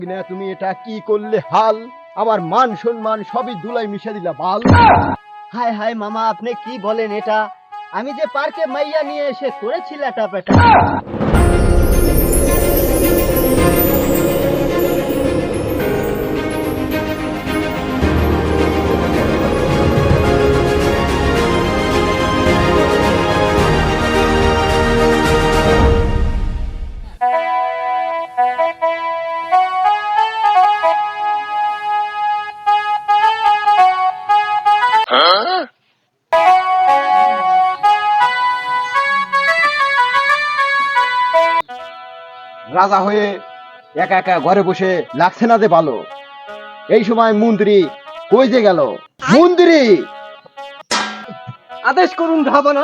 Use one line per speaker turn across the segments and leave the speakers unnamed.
তুমি এটা কি করলে হাল, আমার মান সম্মান সবই ধুলাই মিশে দিলা বাল।
হায় হায় মামা, আপনি কি বলেন এটা? আমি যে পার্কে মাইয়া নিয়ে এসে করেছি লেটা পেটা।
রাজা হয়ে একা একা ঘরে বসে লাগছে না যে ভালো। এই সময় মন্ত্রী কই যে গেল? মন্ত্রী,
আদেশ করুন ধাবানা।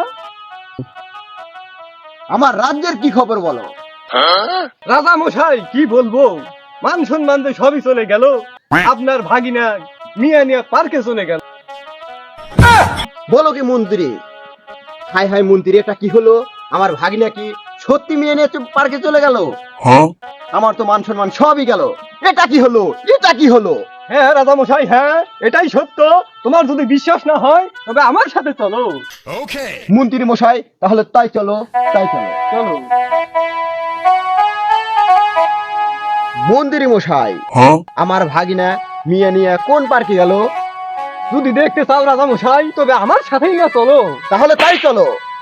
আমার রাজ্যের কি খবর বলো?
রাজা মশাই কি বলবো, মান সম্মান তো সবই চলে গেল। আপনার ভাগিনা মিয়া নিয়ে পার্কে চলে গেল।
বলো কি মন্ত্রী? হাই হাই মন্ত্রী, এটা কি হলো? আমার ভাগিনা কি সত্যি মেয়ে নিয়ে পার্কে চলে গেল? আমার তো মান সম্মান সবই গেল। এটা কি হলো? এটা কি হলো?
হ্যাঁ রাজা মশাই, হ্যাঁ এটাই সত্য। তোমার যদি বিশ্বাস না হয় তবে আমার সাথে চলো।
মন্ত্রী মশাই, তাহলে তাই চলো, তাই চলো।
চলো।
মন্ত্রী মশাই, আমার ভাগিনা মিয়া নিয়ে কোন পার্কে গেল?
যদি দেখতে চাও রাজা মশাই তবে আমার সাথেই না চলো।
তাহলে তাই চলো।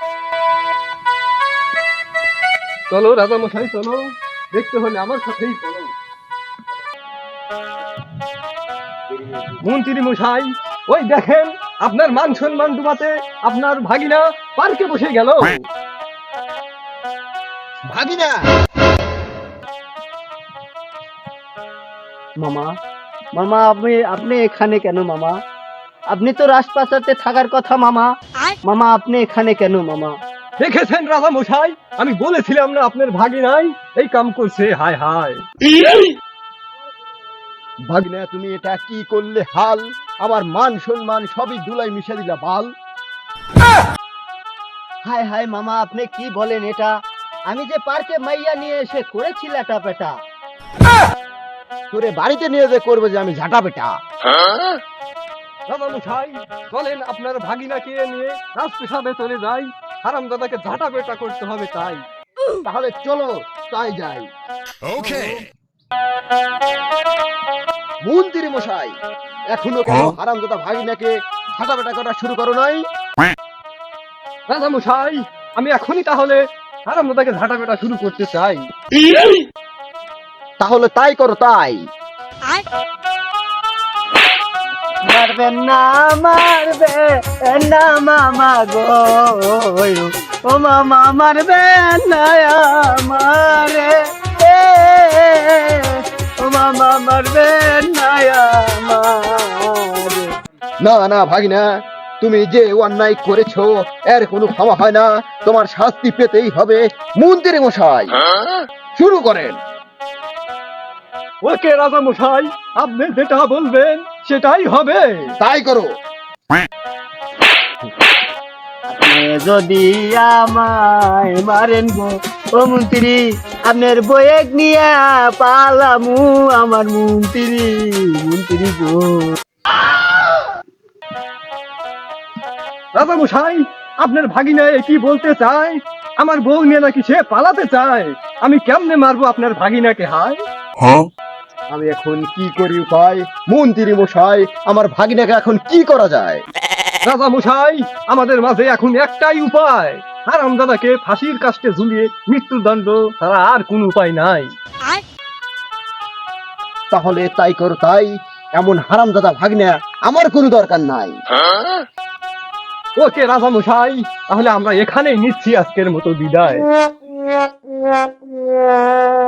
চলো রাজা মশাই চলো, দেখতে হলে আমার সাথেই চলো। মন্ত্রী মশাই, ওই দেখেন আপনার মান সম্মান ডুবাতে আপনার ভাগিনা পার্কে বসে গেল।
ভাগিনা,
মামা মামা, আপনি এখানে কেন মামা? আপনি তো রাজপ্রাসাদে থাকার কথা মামা। মামা আপনি এখানে কেন মামা?
দেখেছেন রাজা মশাই, আমি বলেছিলাম না আপনার ভাগিনাই এই কাম করছে। হায় হায়
ভাগিনা তুমি এটা কি করলে হাল, আমার মান সম্মান সবই ধুলাই মিশে দিলা বাল।
হায় হায় মামা, আপনি কি বলেন এটা? আমি যে পার্কে মাইয়া নিয়ে এসে করেছি লেটা পেটা।
তোরে বাড়িতে নিয়ে যে করবে যে আমি ঝাঁটা পেটা।
রাজা মশাই চলেন আপনার ভাগিনাকে নিয়ে রাজপ্রাসাদে চলে যাই। হারামজাদাকে ঝাঁটা পেটা করতে হবে তাই।
তাহলে চলো তাই যাই। মন্ত্রী মশাই, এখনো কেন হারামজাদা ভাগিনাকে ঝাঁটা পেটা করা শুরু করো নাই?
রাজা মশাই, আমি এখনই তাহলে হারামজাদাকে ঝাঁটা পেটা শুরু করতে চাই।
তাহলে তাই করো, তাই।
মারবেন না, মারবেন না মামা গো, ও মামা মারবেন না আমারে, ও মামা মারবেন না আমারে।
না না ভাগিনা, তুমি যে অন্যায় করেছো এর কোনো ক্ষমা হয় না, তোমার শাস্তি পেতেই হবে। মন্ত্রী মশাই শুরু করেন।
ওকে রাজা মশাই, আপনি যেটা বলবেন সেটাই হবে।
তাই করো।
আপনি যদি আমায় মারেন গো ও মন্ত্রী, আপনার বয়েক নিয়ে পালামু আমার মন্ত্রী, মন্ত্রী গো।
রাজা মশাই, আপনার ভাগিনা কি বলতে চায়? আমার বউ নিয়ে নাকি সে পালাতে চায়। আমি কেমনে মারবো আপনার ভাগিনাকে? হায়
আমি এখন কি করি উপায়? মন্ত্রী মশাই, আমার ভাগিনাকে এখন কি করা যায়?
রাজা মশাই, আমাদের মাঝে এখন একটাই উপায়। হারামজাদাকে ফাঁসির কাস্টে ঝুলিয়ে মৃত্যুদণ্ড ছাড়া আর কোন উপায় নাই।
তাহলে তাই করো, তাই। এমন হারামজাদা ভাগিনা আমার কোনো দরকার নাই।
ওকে রাজা মশাই, তাহলে আমরা এখানেই নিচ্ছি আজকের মতো বিদায়।